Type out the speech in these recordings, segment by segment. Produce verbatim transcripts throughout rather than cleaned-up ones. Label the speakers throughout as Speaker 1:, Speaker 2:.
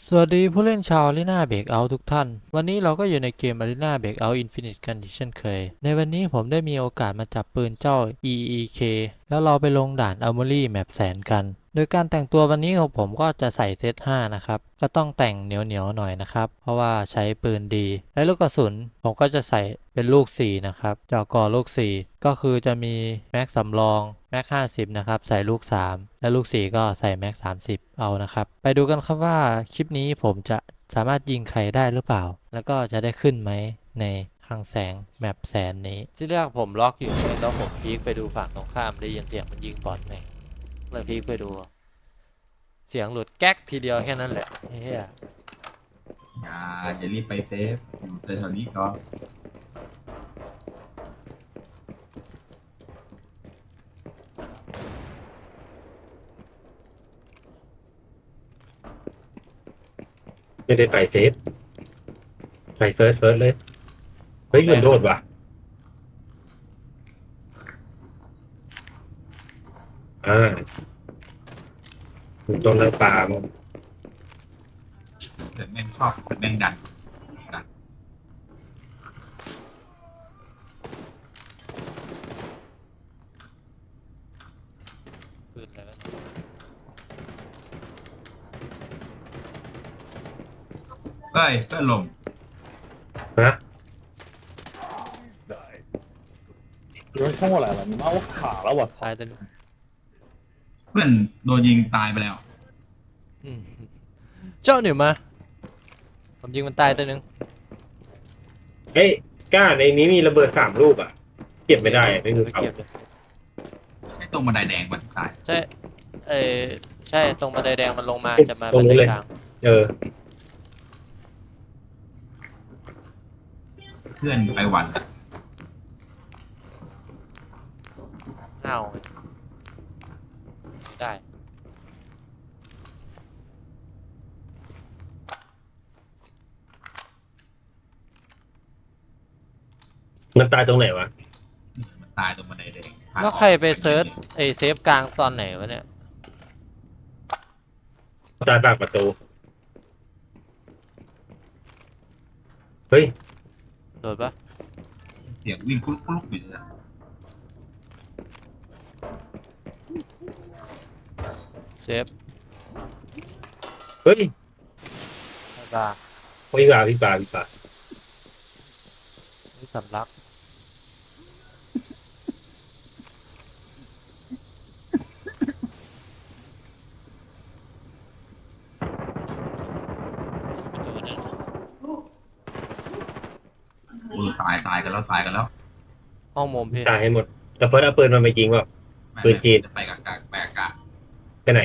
Speaker 1: สวัสดีผู้เล่นชาว Arena Breakout ทุกท่านวันนี้เราก็อยู่ในเกม Arena Breakout Infinite กันอีกเช่นเคยในวันนี้ผมได้มีโอกาสมาจับปืนเจ้า อี อี เค แล้วเราไปลงด่าน Armory Map แสนกันโดยการแต่งตัววันนี้ของผมก็จะใส่เซตห้านะครับก็ต้องแต่งเหนียวๆหน่อยนะครับเพราะว่าใช้ปืนดีและลูกกระสุนผมก็จะใส่เป็นลูกสี่นะครับจอกอลูกสี่ก็คือจะมีแม็กสำรองแม็กห้าสิบนะครับใส่ลูกสามและลูกสี่ก็ใส่แม็กสามสิบเอานะครับไปดูกันครับว่าคลิปนี้ผมจะสามารถยิงใครได้หรือเปล่าแล้วก็จะได้ขึ้นไหมในคลังแสงแมปแสนนี้ที่แรกผมล็อกอยู่เลยแล้วผมพีคไปดูฝั่งตรงข้ามได้ยินเสียงมันยิงบอทไงเลยพีคไปดูเสียงหลุดแก๊กทีเดียวแค่นั้นแหละเฮีย
Speaker 2: อย่าอย่ารีบไปเซฟอยู่แถวๆนี้ก็
Speaker 3: ไม่ได้ไปเซฟไปเฟิร์สเฟิร์สเลยเฮ้ยมันโดดว่ะอ่าตรงนั้นป่ามัน
Speaker 2: เดี๋ยวแม่งชอบแม่งดันดัน
Speaker 1: ปืนอะไรวะ
Speaker 2: เฮ้ยเพื่อนลม
Speaker 3: ฮะ
Speaker 4: 有人冲过来了，你妈我卡了，我操！
Speaker 1: ตายตัวนึง
Speaker 2: เพื่อนโดนยิงตายไปแล้ว
Speaker 1: อืมเจ้าหนิวมาผมยิงมันตายตัวนึง
Speaker 3: เฮ้ยกล้าในนี้มีระเบิดสามลูกอ่ะเก็บไม่ได้อะไม่รู้
Speaker 1: ไป
Speaker 3: เอา
Speaker 1: เก็บเลย
Speaker 2: ใช่ตรงบันไดแดงมันตาย
Speaker 1: ใช่เออใช่ตรงบันไดแดงมันลงมาจะมา
Speaker 3: ตร
Speaker 1: บั
Speaker 3: ง
Speaker 1: น
Speaker 3: นู้
Speaker 1: ได
Speaker 3: นเลย
Speaker 1: กลาง
Speaker 3: เออ
Speaker 2: เพื่อนไปหวันอะ
Speaker 1: ห้าวได้
Speaker 3: มันตายตรงไหนวะ
Speaker 2: มันตายตรงบันไดแดงทาง
Speaker 1: แล้วใครไปเซิร์ชไอเซฟกลางตอนไหนวะเนี่ย
Speaker 3: ตายปากประตูเฮ้ย
Speaker 1: โดดปะ
Speaker 2: เสียงวิ่งคุกคุกอยู่เลยอะ
Speaker 1: เซฟ
Speaker 3: เฮ้ย
Speaker 1: กลาง
Speaker 3: พี่ป่าพี่ป่าพี่ป่า
Speaker 1: นี่สำลักประตูนั่น
Speaker 2: โอ้ตายตายกันแล้วตายกันแล้ว
Speaker 1: ห้องมุมพี่
Speaker 3: ตายให้หมดแต่เฟิร์สเอาปืนมันไปจริงเปล่า
Speaker 2: ไม่
Speaker 3: ปืนจีน
Speaker 2: จะไปกับกาไปกับกา
Speaker 3: ไปไหน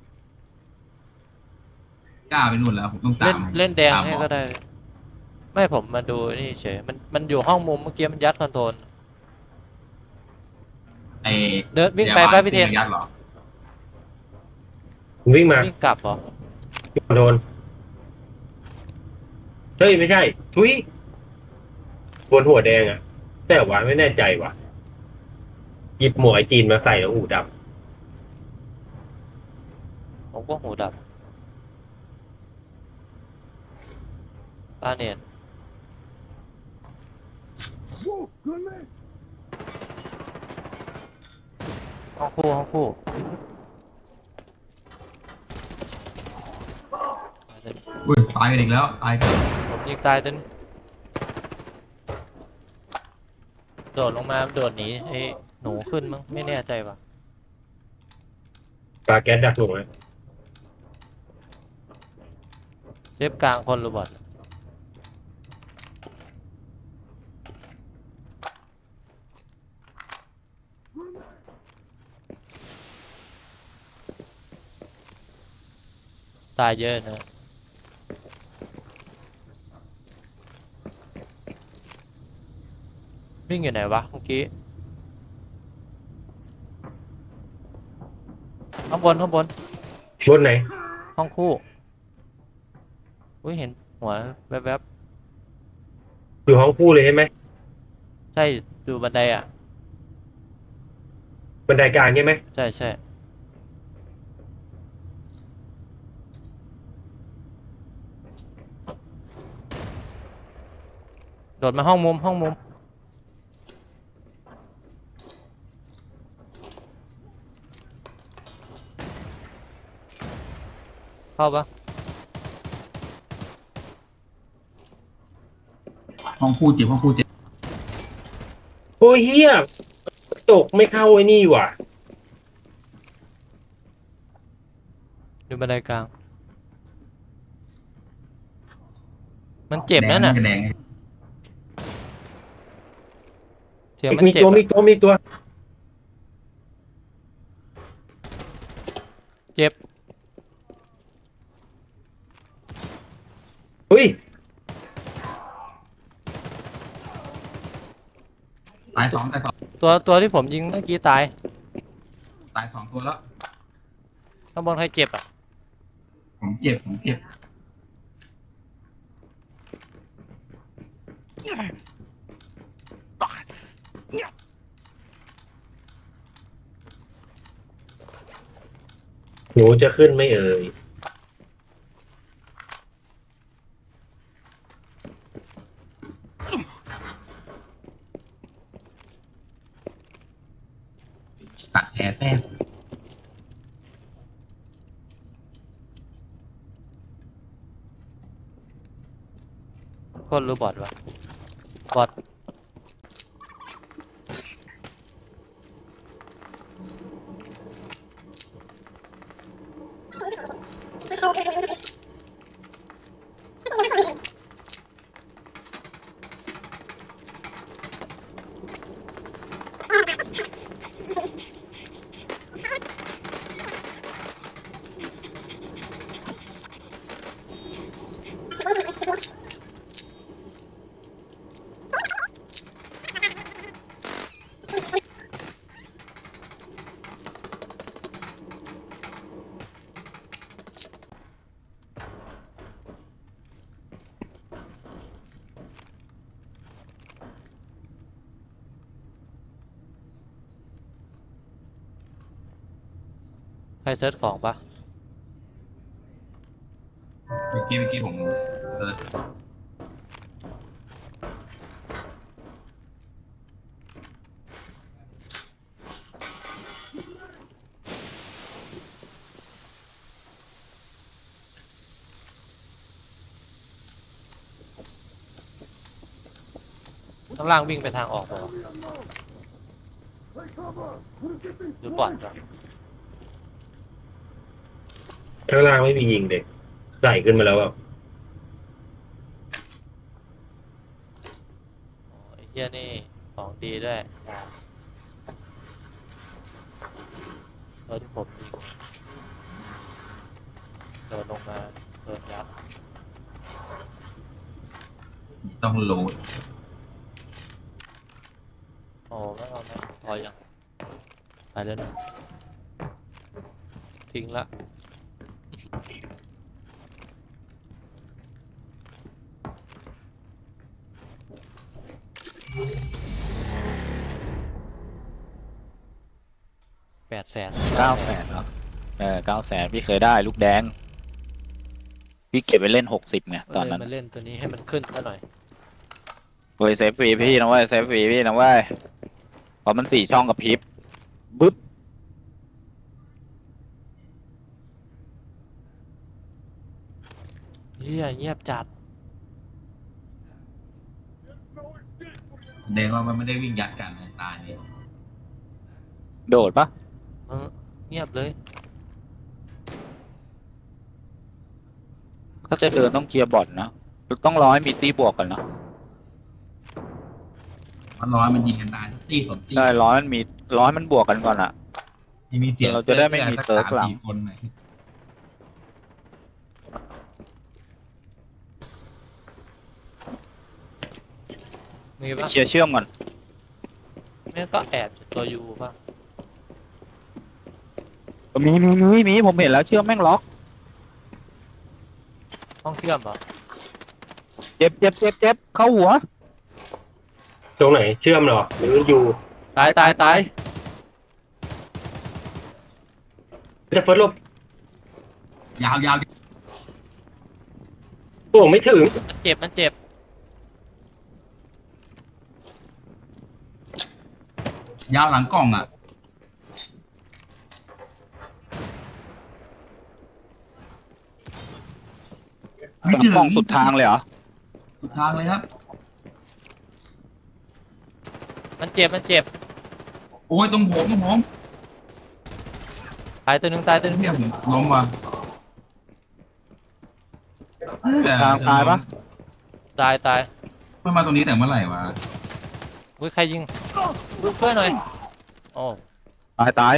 Speaker 2: กล้าไปนู่นแล้วผมต้องตา
Speaker 1: เล่น
Speaker 2: ม
Speaker 1: เล่นแดง
Speaker 2: ตาม
Speaker 1: ให้
Speaker 2: หมอ
Speaker 1: ก็ได้ ไม่ผมมาดูนี่เฉยมันมันอยู่ห้องมุมเมื่อกี้มันยัดคอนโทรล
Speaker 2: ไอ้
Speaker 1: เดินวิ่งไป
Speaker 2: ยา
Speaker 1: ป้า
Speaker 2: บาล
Speaker 1: พี่เทน
Speaker 2: ที่ยัดเหรอ
Speaker 3: มึงวิ่งมา
Speaker 1: วิ่งกลับเหรอ
Speaker 3: โดนเฮ้ยไม่ใช่ทุยบนหัวแดงอ่ะ แต่ว่าไม่แน่ใจว่ะหยิบหมวกไอจีนมาใส่แล้วหูด
Speaker 1: ผมก็หูดับป้าเนียนห้องคู่ห้องคู่
Speaker 2: อุ้ยตายกันอีกแล้วตายกัน
Speaker 1: ผมยิงตายจนโดดลงมาโดดหนีไอ้หนูขึ้นมั้งไม่แน่ใจว่ะ
Speaker 3: ำปลาแก๊สดักหนูไหม
Speaker 1: เซฟกลางคนหรือบอทตายเยอะนะวิ่งอยู่ไหนวะเมื่อกี้ข้างบนข้างบน
Speaker 3: บนไหน
Speaker 1: ห้องคู่อุ้ยเห็นหัวแวบ
Speaker 3: อยู่ห้องคู่เลยใช่ไหม
Speaker 1: ๆใช่ดูบันไดอ่ะ
Speaker 3: บันไดกลางใช่ไหม
Speaker 1: ใช่ใช่โดดมาห้องมุมห้องมุมเข้าปะ
Speaker 2: ห้องพูดเจ็บห้องพูดเจ็บ
Speaker 3: โอ้ยเฮียตกไม่เข้าไอ้นี่ว่ะ
Speaker 1: ดูบันไดกลาง มันเจ็บนั่นน่ะ
Speaker 2: แดงแดง
Speaker 1: เสียงมัน
Speaker 3: มี
Speaker 1: เจ็บ
Speaker 3: ตัวมี
Speaker 1: อะ
Speaker 3: ตัวมีตัว
Speaker 1: เจ็บ
Speaker 3: เฮ้ย
Speaker 2: ตายสองตายสอง
Speaker 1: ตัวตัวที่ผมยิงเมื่อกี้ตาย
Speaker 2: ตายสองตัวแล้ว
Speaker 1: ข้างบนใครเจ็บอ่ะ
Speaker 2: ผมเจ็บผมเจ็บ
Speaker 3: หนูจะขึ้นไม่เอ่ย
Speaker 2: ตัดแผลแต้ม
Speaker 1: คนหรือบอทวะบอทใครเซิร์ชของปะ
Speaker 2: เมื่อกี้เมื่อกี้ผมเซิร์ช
Speaker 1: ข้างล่างวิ่งไปทางออกปะวะหรือบอทวะ
Speaker 3: ข้างล่างไม่มียิงเด็กใส่ขึ้นมาแล้วแบบ
Speaker 1: โอ้ยเฮียนี่ของดีด้วยตัวที่ผมยิงเดินลงมาเดินยัด
Speaker 2: ต้องโหลด
Speaker 1: โอ้ไม่เอานะพอยังไปเลยนะทิ้งละแปดแสน
Speaker 5: เก้าแสนเหรอเออเก้าแสนพี่เคยได้ลูกแดง พี่เก็บไปเล่นหกสิบไงต
Speaker 1: ต
Speaker 5: อ
Speaker 1: อน น
Speaker 5: นั้น
Speaker 1: มาเล่นตัวนี้ให้มันขึ้นซะหน่อย
Speaker 5: เว้ยเซฟฟรีพี่นะเว้ยเซฟฟรีพี่นะเว้ยเพราะมันสี่ช่องกับพริบบึ๊บ
Speaker 1: เฮียเงียบจัด
Speaker 2: แสดงว่ามันไม่ได้วิ่งยัดกันตายนี่
Speaker 5: โดดปะ
Speaker 1: เออเงียบเลย
Speaker 5: ถ้าจะเดินต้องเคลียร์บอทนะต้องรอให้มีตีบวกกันเนาะ
Speaker 2: มันร้อยมันยิงกันตายทุกตีสองตี
Speaker 5: ได้ร้อยมันมีร้อยมันบวกกันก่อนอะ
Speaker 2: ที่มีเสียง
Speaker 5: เราจะได้ไม่มีเติร์กหลัง
Speaker 2: สัามสี่คนหน่อย
Speaker 1: มี
Speaker 5: ไป
Speaker 1: ปะ
Speaker 5: เชียร์เชื่อมก่อน
Speaker 1: แม่งก็แอบจากตัวยูปะ
Speaker 5: มีมีมีมีผมเห็นแล้วเชื่อมแม่งล็อก
Speaker 1: ห้องเชื่อมเหรอ
Speaker 5: เจ็บเจ็บเจ็บเจ็บเข้าหัว
Speaker 3: ตรงไหนเชื่อมเหรอหรืออยู่
Speaker 1: ตายตายตาย
Speaker 3: จะเฟิร์สลบ
Speaker 2: ยาวยาว
Speaker 3: โอ้ไม่ถึง
Speaker 1: มันเจ็บมันเจ็บ
Speaker 2: ยาวหลังกล่องอ่ะไม่
Speaker 5: หลัง
Speaker 2: ถึง
Speaker 5: กล้องสุดทางเลยเหรอ
Speaker 2: สุดทางเลยครับ
Speaker 1: มันเจ็บมันเจ็บ
Speaker 2: โอ้ยตรงผมตรงผม
Speaker 1: ตายตัวหนึ่งตายตัวหนึ่ง
Speaker 2: เนี่ยผมล้มว่ะ
Speaker 5: ทางตายปะ
Speaker 1: ตายตาย
Speaker 2: ไม่มาตรงนี้แต่เมื่อไหร่วะ
Speaker 1: อุ้ยใครยิงอุ้ยช่วยหน่อยโอ้
Speaker 5: ตายตาย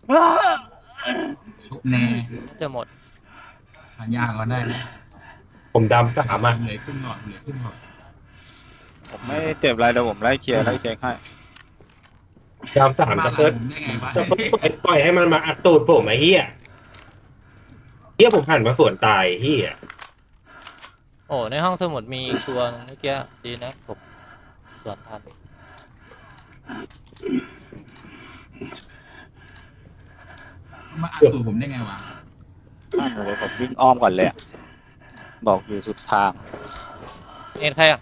Speaker 2: ชุบแน่
Speaker 1: จะหมด
Speaker 2: หายากก็ได้นะ
Speaker 3: ผมดำสามอ่ะ
Speaker 2: เหลือขึ้นหลอดเหลือขึ้นหลอด
Speaker 5: ผมไม่เจ็บอะไรเดี๋ยวผมไล่เคลียร์ไล่เช็คให้
Speaker 3: ดำสาม
Speaker 2: มา
Speaker 3: จะ
Speaker 2: หลั
Speaker 3: เพิ่
Speaker 2: งผมได้ไงวะ
Speaker 3: จะเพิ่ปล่อยปล่อยให้มันมาอัดตูดผมไอ้เหี้ยเหี้ยผมหันมาสวนตายเหี้ย
Speaker 1: โอ้ในห้องสมุดมีอีกตัวนึงเมื่อกี้ดีนะผมสวนทัน
Speaker 2: มาอัดตูดผมได้ไงวะ
Speaker 5: นั่นเลยผมวิ่งอ้อมก่อนเลยอะบอกอยู่สุดทาง
Speaker 1: เอ็นใครอ่ะ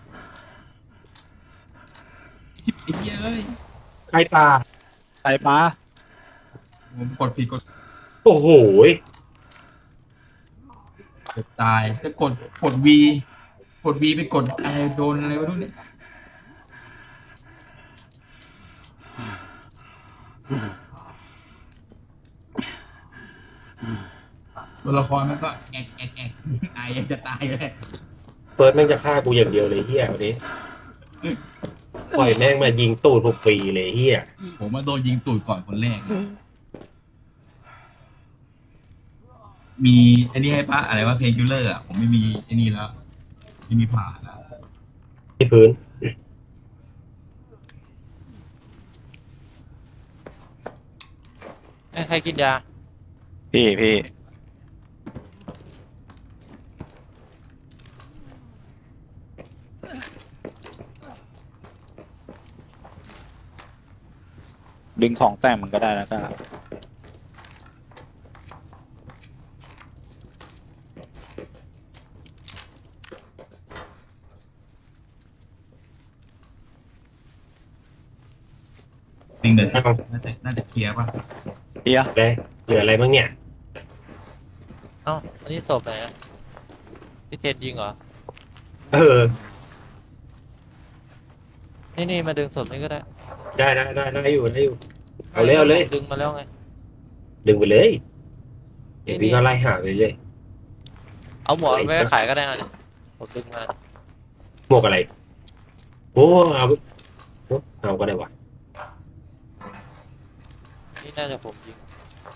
Speaker 2: ไอ้เหี้ยเอ้ย
Speaker 3: ใครตา
Speaker 5: ใครมา
Speaker 2: ผมกดผิดกด
Speaker 3: โอ้โห
Speaker 2: เกือบตายจะกดกดวีกดวีไปกดอะไรโดนอะไรวะนู่นเนี่ยตัวละครมันก็แอกแอกแอกไอจะตายเลย
Speaker 3: เฟิร์สแม่งจะฆ่ากูอย่างเดียวเลยเหี้ยวันนี้ปล่อยแม่งมายิงตูดผมฟรีเลยเหี้ย
Speaker 2: ผมมาโดนยิงตูดก่อนคนแรก มีไอ้นี่ให้ปะอะไรว่าเพลงคิลเลอร์อ่ะผมไม่มีไอ้นี่แล้วไม่มีผ่าแล้ว
Speaker 3: ที่พื้น
Speaker 1: ให้ใครกินยา
Speaker 5: พี่พี่ดึงของแต่งมันก็ได้แล้วก็
Speaker 2: จริงเดี๋ยวน่าจะน่าจะเคลียร์ป่ะ
Speaker 5: เฮีย
Speaker 3: ได้เหลืออะไรบ้างเนี่ย
Speaker 1: เอ้าอันนี้ศพไหนอะพี่เทนยิงเหรอ
Speaker 3: เออ
Speaker 1: นี่นี่มาดึงศพนี่ก็ได้
Speaker 3: ได้ได้ได้ได้อยู่ได้อยู่ เอาเลยเอาเลย
Speaker 1: ดึงมาแล้วไง
Speaker 3: ดึงไปเลยเดี๋ยว
Speaker 1: นี่
Speaker 3: พี่ก็ไล่หาไปเรื่อย
Speaker 1: เอาหมวกไปขายก็ได้นะผมดึงมา
Speaker 3: หมวกอะไร โอ้เอาไปโอ้เอาก็ได้วะ
Speaker 1: นี่น่าจะผมยิง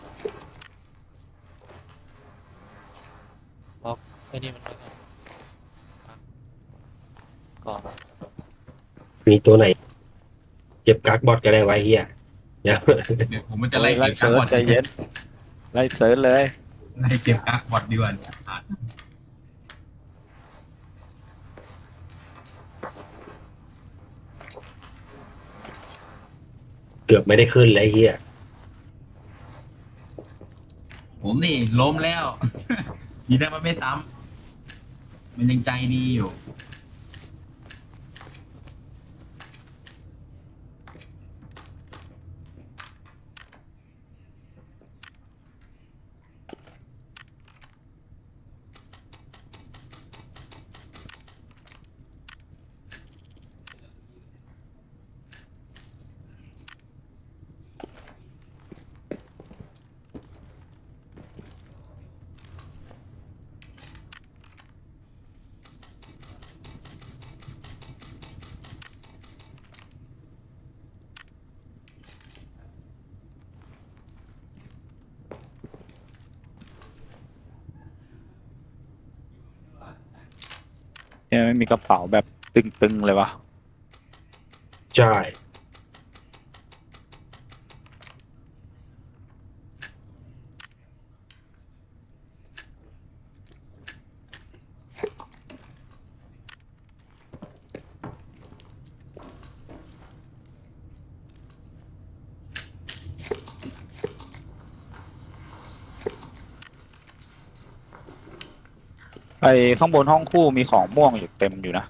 Speaker 1: บล็อกไอ้นี่มันไว้ก่อนก่อน
Speaker 3: มีตัวไหน เก็บกักบอทก็ได้ไว้เฮียเดี๋ยว
Speaker 2: เดี๋ยวผมมันจะไล่
Speaker 5: ไล่
Speaker 2: เก็บกัก
Speaker 5: เซิร์
Speaker 2: บ
Speaker 5: ช
Speaker 2: อด
Speaker 5: ใจเย็นไล่เซิร์ชเลย
Speaker 2: ไล่เก็บกักบอดดีกว่าอ่ะ
Speaker 3: เกือบไม่ได้ขึ้นเลยเฮีย
Speaker 2: ผมนี่ล้มแล้ว ยีได้มันไม่ซ้ำมันยังใจดีอยู่
Speaker 5: เนี่ยไม่มีกระเป๋าแบบตึงๆเลยวะ
Speaker 3: ใช่
Speaker 5: ไอ้ข้างบนห้องคู่มีของม่วงอยู่เต็มอยู่นะ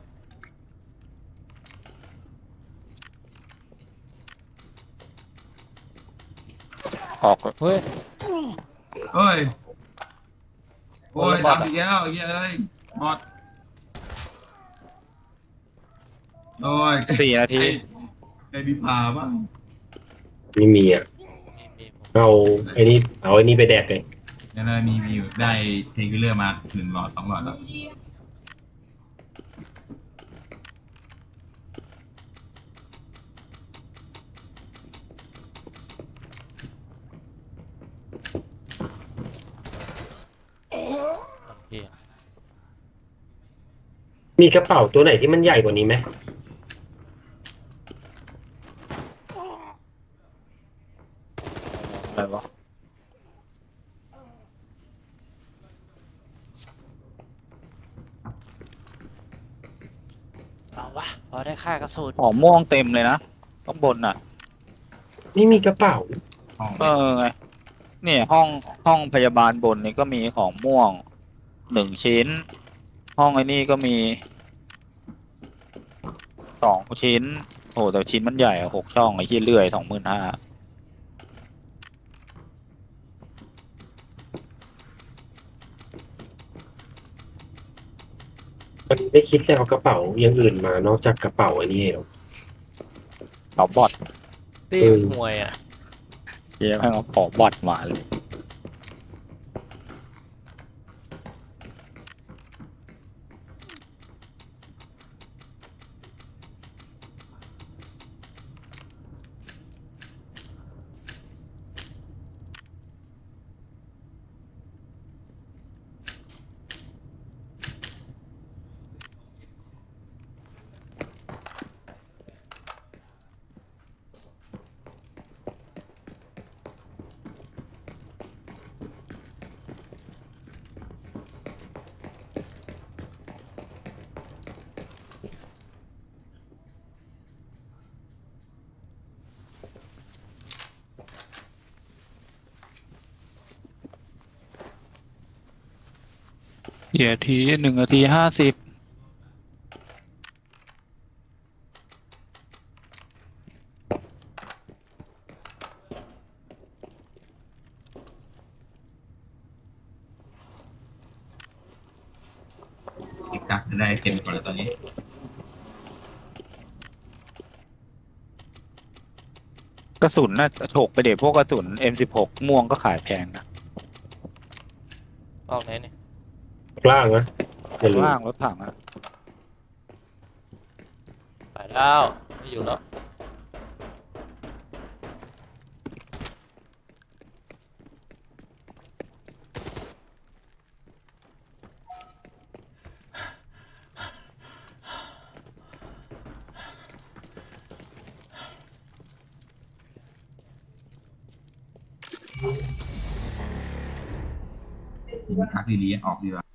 Speaker 5: ออก
Speaker 1: เฮ้ย
Speaker 2: เฮ้ยโอ้ย
Speaker 5: บอท
Speaker 2: ทำอีกแล้วไอ้เหี้ยเอ้ยบอดโอ้ย
Speaker 5: สี่นาที
Speaker 2: ใครมีผ่าบ้าง
Speaker 3: ไม่มีอ่ะ
Speaker 1: มีมีผม
Speaker 3: เอาไอ้นี่เอาไอ้นี่ไปแดกเลย
Speaker 2: แล้วเรามีมีอยู่ได้เพลงคิลเลอร์มาหนึ่งหลอดสองหลอดแล้ว
Speaker 1: เหี้ย
Speaker 3: มีกระเป๋าตัวไหนที่มันใหญ่กว่านี้ไหม
Speaker 5: อะไรวะ
Speaker 1: เอาวะพอได้ค่ากระสุน
Speaker 5: ของม่วงเต็มเลยนะข้างบนน่ะ
Speaker 3: ไม่มีกระเป๋า
Speaker 2: ห้อง
Speaker 5: เออไงเนี่ยห้องห้องพยาบาลบนนี่ก็มีของม่วงหนึ่งชิ้น ห้องไอ้นี่ก็มีสองชิ้นโอ้แต่ชิ้นมันใหญ่อะหกช่องไอ้ที่เลื่อยสองหมื่นห้า
Speaker 3: มันไม่คิดจะเอากระเป๋าอย่างอื่นมานอกจากกระเป๋าอันนี้หรอ
Speaker 5: เอาบอท
Speaker 1: ตี
Speaker 3: เออ
Speaker 1: มวยอ่ะ
Speaker 5: เดี๋ยวให้เอาขอบอทมาเลย เดี๋ยวทีหนึ่งนาทีห้าสิบ
Speaker 2: ติดกักจะได้เต็มก่อนแล้วตอนนี้
Speaker 5: กระสุนน่ะโฉกไปเด็พวกกระสุน เอ็ม สิบหก ม่วงก็ขายแพงนะ
Speaker 1: ออกไหนเนี่ย
Speaker 3: ล่างนะอย่าลืม
Speaker 5: ว่างรถถังอะ
Speaker 1: ไปแล้วไม่อยู่แล้ว
Speaker 2: กักดีๆออกดีกว่า